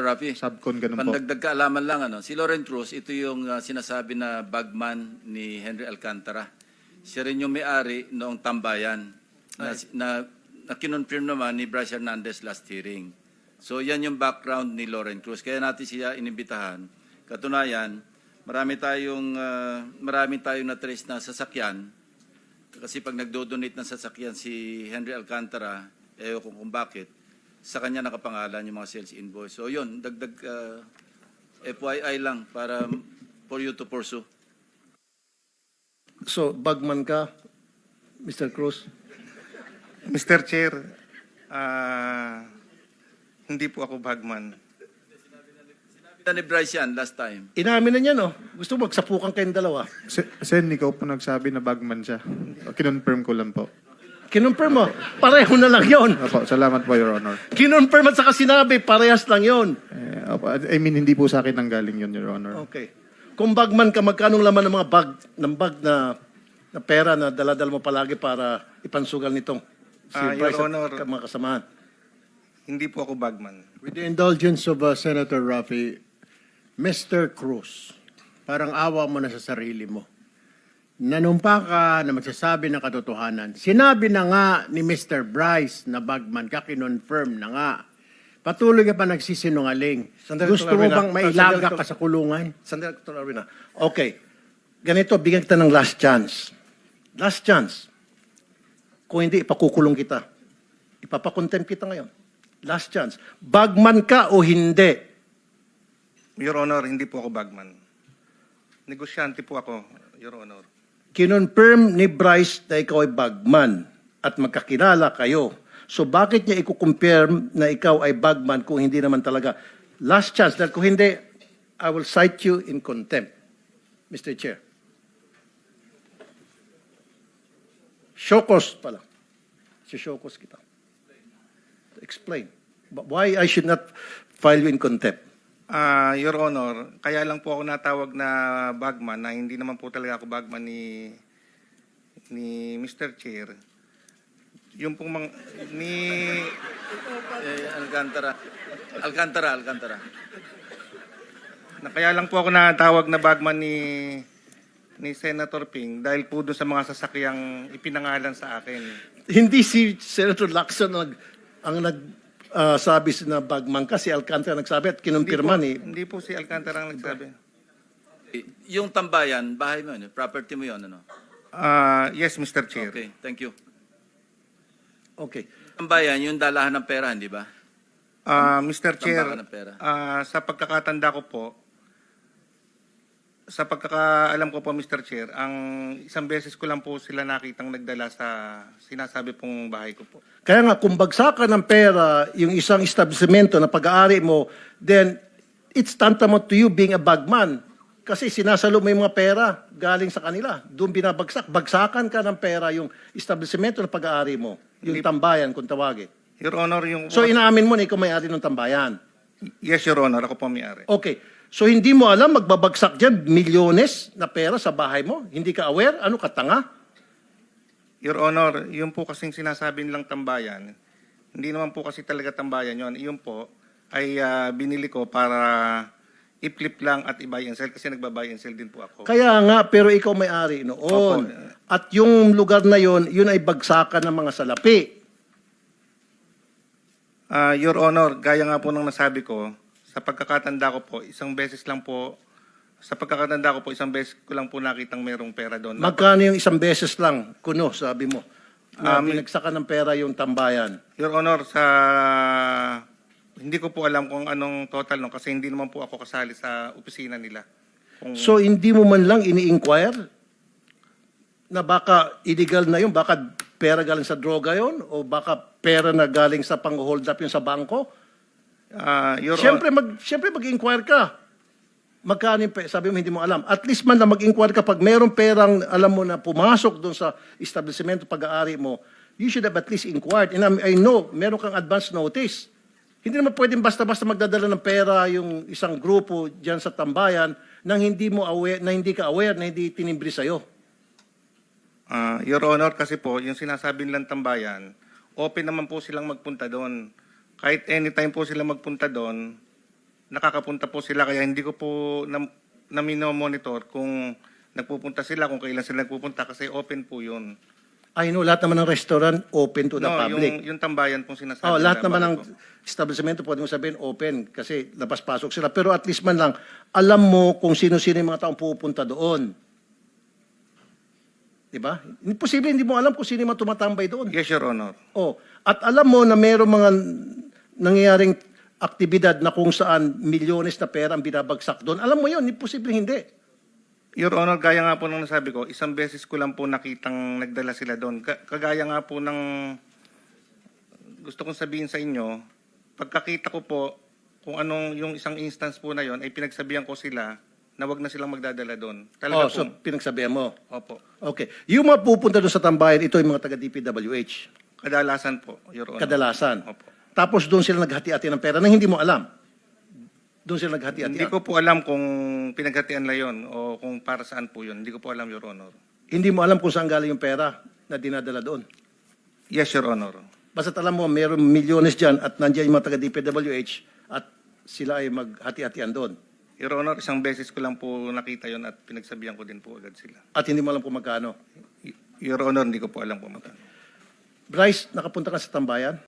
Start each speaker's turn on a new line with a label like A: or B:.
A: Senator Rafi,
B: Subcon, ganun po.
A: pandagdag kaalaman lang, si Loren Cruz, ito yung sinasabi na bagman ni Henry Alcantara. Siya rin yung may-ari noong tambayan na kinonfirm naman ni Bryce Hernandez last hearing. So yan yung background ni Loren Cruz. Kaya natin siya inimbitahan. Katunayan, marami tayong na-trace na sasakyan. Kasi pag nagdo-donate ng sasakyan si Henry Alcantara, kung bakit, sa kanya nakapangalan yung mga sales invoice. So yun, dagdag FYI lang para for you to pursue.
C: So, bagman ka, Mr. Cruz?
D: Mr. Chair, hindi po ako bagman.
A: Sinabi ni Bryce yan last time.
C: Inamin na niya, no? Gusto mo magsapukan kayong dalawa.
B: Sen, ikaw po nagsabi na bagman siya. Kinonfirm ko lang po.
C: Kinonfirm mo, pareho na lang yon.
B: Opo, salamat po, Your Honor.
C: Kinonfirm at saka sinabi, parehas lang yon.
B: Opo, I mean, hindi po sa akin nanggaling yun, Your Honor.
C: Okay. Kung bagman ka, magkanong laman ng mga bag na pera na daladala mo palagi para ipansugal nitong si Bryce
D: Your Honor,
C: at mga kasamahan?
D: Hindi po ako bagman.
E: With the indulgence of Senator Rafi, Mr. Cruz, parang awa mo na sa sarili mo. Nanumpa ka na magsasabi ng katotohanan. Sinabi na nga ni Mr. Bryce na bagman ka, kinonfirm na nga. Patuloy ka pa nagsisinungaling.
C: Sandali,
E: Gusto mo
C: Dr. Arvina.
E: bang mailaga
C: Sandali,
E: ka sa kulungan?
C: Sandali, Dr. Arvina. Okay. Ganito, bigyan kita ng last chance. Last chance. Kung hindi, ipakukulong kita. Ipapakontempt kita ngayon. Last chance. Bagman ka o hindi?
D: Your Honor, hindi po ako bagman. Negosyante po ako, Your Honor.
C: Kinonfirm ni Bryce na ikaw ay bagman at magkakilala kayo. So bakit niya i-confirm na ikaw ay bagman kung hindi naman talaga? Last chance. Dahil kung hindi, I will cite you in contempt, Mr. Chair. Showcause pala. Si-showcause kita. Explain. Why I should not file you in contempt?
D: Your Honor, kaya lang po ako natawag na bagman na hindi naman po talaga ako bagman ni Mr. Chair. Yung pong
A: Alcantara.
D: Kaya lang po ako natawag na bagman ni Senator Ping dahil po doon sa mga sasakyang ipinangalan sa akin.
C: Hindi si Senator Lacson ang sabi na bagman ka, si Alcantara nagsabi at kinumpirma ni...
D: Hindi po si Alcantara ang nagsabi.
A: Yung tambayan, bahay mo yun, property mo yun, ano?
D: Yes, Mr. Chair.
A: Okay, thank you.
C: Okay.
A: Tambayan, yung dalahan ng pera, hindi ba?
D: Mr. Chair,
A: Tambakan ng pera.
D: sa pagkakatanda ko po, sa pagkakaalam ko po, Mr. Chair, ang isang beses ko lang po sila nakitang nagdala sa sinasabi pong bahay ko po.
C: Kaya nga, kung bagsakan ng pera yung isang establishmento na pag-aari mo, then it's tantamount to you being a bagman. Kasi sinasalo mo yung mga pera galing sa kanila. Doon binabagsak. Bagsakan ka ng pera yung establishmento na pag-aari mo. Yung tambayan, kung tawagin.
D: Your Honor, yung...
C: So inaamin mo na ikaw may-ari ng tambayan.
D: Yes, Your Honor, ako po may-ari.
C: Okay. So hindi mo alam, magbabagsak dyan, milyones na pera sa bahay mo? Hindi ka aware? Ano ka, tanga?
D: Your Honor, yung po kasing sinasabi nilang tambayan, hindi naman po kasi talaga tambayan yon. Yun po ay binili ko para i-flip lang at i-buy and sell kasi nagba-buy and sell din po ako.
C: Kaya nga, pero ikaw may-ari noon.
D: Opo.
C: At yung lugar na yon, yun ay bagsakan ng mga salapi.
D: Your Honor, gaya nga po ng nasabi ko, sa pagkakatanda ko po, isang beses ko lang po nakitang merong pera doon.
C: Magkano yung isang beses lang, kuno, sabi mo, na binagsakan ng pera yung tambayan?
D: Your Honor, hindi ko po alam kung anong total no kasi hindi naman po ako kasali sa opisina nila.
C: So hindi mo man lang ini-inquire na baka illegal na yun, baka pera galing sa droga yun, o baka pera na galing sa pang-hold up yun sa bangko?
D: Your
C: Siyempre mag-inquire ka. Magkano yung pera? Sabi mo hindi mo alam. At least man lang mag-inquire ka pag mayroong perang alam mo na pumasok doon sa establishmento pag-aari mo, you should have at least inquired. And I know, meron kang advance notice. Hindi naman pwedeng basta-basta magdadala ng pera yung isang grupo dyan sa tambayan nang hindi mo aware, na hindi ka aware, na hindi tinimbri sa'yo.
D: Your Honor, kasi po, yung sinasabi nilang tambayan, open naman po silang magpunta doon. Kahit anytime po sila magpunta doon, nakakapunta po sila kaya hindi ko po na monitor kung nagpupunta sila, kung kailan sila nagpupunta kasi open po yun.
C: I know, lahat naman ng restaurant open to the
D: No,
C: public.
D: yung tambayan pong sinasabi.
C: Oh, lahat
D: nila,
C: naman ng
D: bakit po?
C: establishmento pwede mo sabihin open kasi labas-pasok sila. Pero at least man lang, alam mo kung sino-sino yung mga taong pupunta doon. Diba? Imposible hindi mo alam kung sino yung mga tumatambay doon.
D: Yes, Your Honor.
C: Oh, at alam mo na mayroong mga nangyayaring aktibidad na kung saan milyones na pera ang binabagsak doon. Alam mo yun, imposible hindi.
D: Your Honor, gaya nga po nung nasabi ko, isang beses ko lang po nakitang nagdala sila doon. Kagaya nga po ng gusto kong sabihin sa inyo, pagkakita ko po kung anong yung isang instance po na yon ay pinagsabihan ko sila na wag na silang magdadala doon. Talaga
C: Oh, so
D: po.
C: pinagsabihan mo.
D: Opo.
C: Okay. Yung mga pupunta doon sa tambayan, ito yung mga taga-DPWH.
D: Kadalasan po, Your Honor.
C: Kadalasan.
D: Opo.
C: Tapos doon sila naghati-hati ng pera na hindi mo alam. Doon sila naghati-hati.
D: Hindi ko po alam kung pinaghatian lang yon o kung para saan po yun. Hindi ko po alam, Your Honor.
C: Hindi mo alam kung saan galing yung pera na dinadala doon.
D: Yes, Your Honor.
C: Basta't alam mo, mayroong milyones dyan at nandiyan yung mga taga-DPWH at sila ay maghati-hatian doon.
D: Your Honor, isang beses ko lang po nakita yon at pinagsabihan ko din po agad sila.
C: At hindi mo alam kung magkano.
D: Your Honor, hindi ko po alam po magkano.
C: Bryce, nakapunta ka sa tambayan?